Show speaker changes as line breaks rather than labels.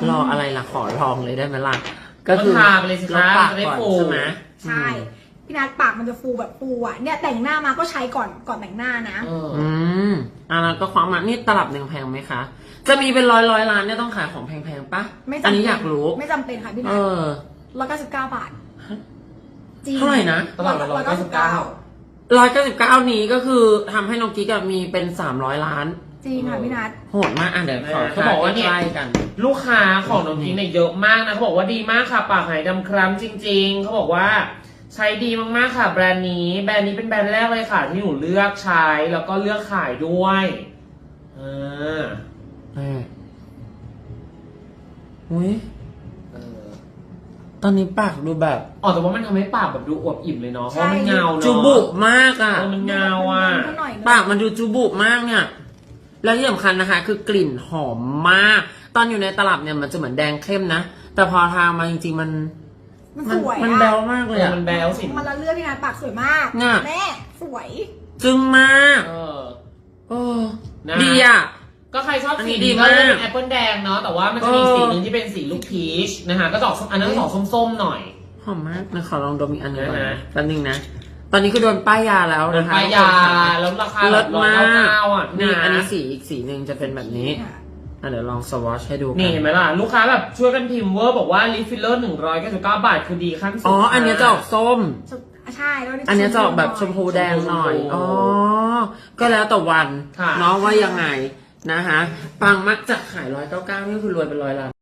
รออะไรล่ะขอลองเลยได้ไหมล่ะก็คือ
ทาไปเลยสิคะ
ปาก
จะได้
ก่อน
ฟู
ใช่ไหม
ใช่พี่นัทปากมันจะฟูแบบฟูอ่ะเนี่ยแต่งหน้ามาก็ใช้ก่อนแต่งหน้านะ
มแล้วก็ความมานี่ตลับหนึ่งแพงไหมคะ จะมีเป็นร้อยล้านเนี่ยต้องขายของแพงๆปะ
ไม่จำ
อัน
เป็น
นี้อยากรู้
ไม่จำเป็นค่ะพี่นั
เอ
ท
อ
199 บาทจริง
เท่าไหร่นะ
ตลาดละ199
199นี้ก็คือทำให้น้องกิ๊กมีเป็น300 ล้าน
จริงค่ะพี่นัท
โหดมากเดี๋ยวขอ
เขาบอกว่าเนี่ย
ใกล้ๆกัน
ลูกค้าของน้องพิงค์เนี่ยเยอะมากนะเขาบอกว่าดีมากค่ะปากหายดำคล้ำจริงๆเขาบอกว่าใช้ดีมากๆค่ะแบรนด์นี้เป็นแบรนด์แรกเลยค่ะที่หนูเลือกใช้แล้วก็เลือกขายด้วย
อุ้ยตอนนี้ปากดูแบบ
แต่ว่ามันทำให้ปากแบบดูอวบอิ่มเลยเนาะเพราะมันเงาเนาะ
จูบุมากอ่ะ
มันเงาอ่ะ
ปากมันดูจูบุมากเนี่ย แล้วที่สำคัญนะคะ คือกลิ่นหอมมาก ตอนอยู่ในตลับเนี่ยมันจะเหมือนแดงเข้มนะ แต่พอทามาจริงๆมัน
สวย
มันแบวมากเลยอะ
มันแบวสิ
มันละเลือดพี่นัทปากสวยมาก
น่ะ
แม่สวย
จึงมาก
นะ
ดีอ่ะ
ก็ใครชอบ
อัน
สี
นี้ดี
นี้ก็
มาก
เลือกแอปเปิลแดงเนาะแต่ว่ามันจะมีสีหนึ่งที่เป็นสีลูกพีชนะคะก็จะออกอันนั้นก็ออกส้มๆหน่อย
หอมมากนะขอลองดมอีกอันหนึงก่อน
นะ
นะแป๊บนึงนะ ตอนนี้คือโดนป้ายยาแล้วนะคะ
ป้ายยาแล้วราคา
เลิศมาก
199อ่ะ
นี่
ะ
อันนี้สีอีกสีหนึ่งจะเป็นแบบนี้เดี๋ยวลองสวอชให้ดูกั
นี่เห็นไหมล่ะ ลูกค้าแบบช่วยกันพิมพ์เวอร์บอกว่าลิฟฟิลเลอร์199 บาทคือดีขั้นสุด
อันเนี้ยจะออกส้ม
ใช่แล้ว
อันเนี้ยจะออกแบบชมพูแดงหน่อย ก็แล้วแต่วัน
ค่ะ
เนาะว่ายังไงนะคะปังมักจะขาย199นี่คือรวยเป็น100 ล้าน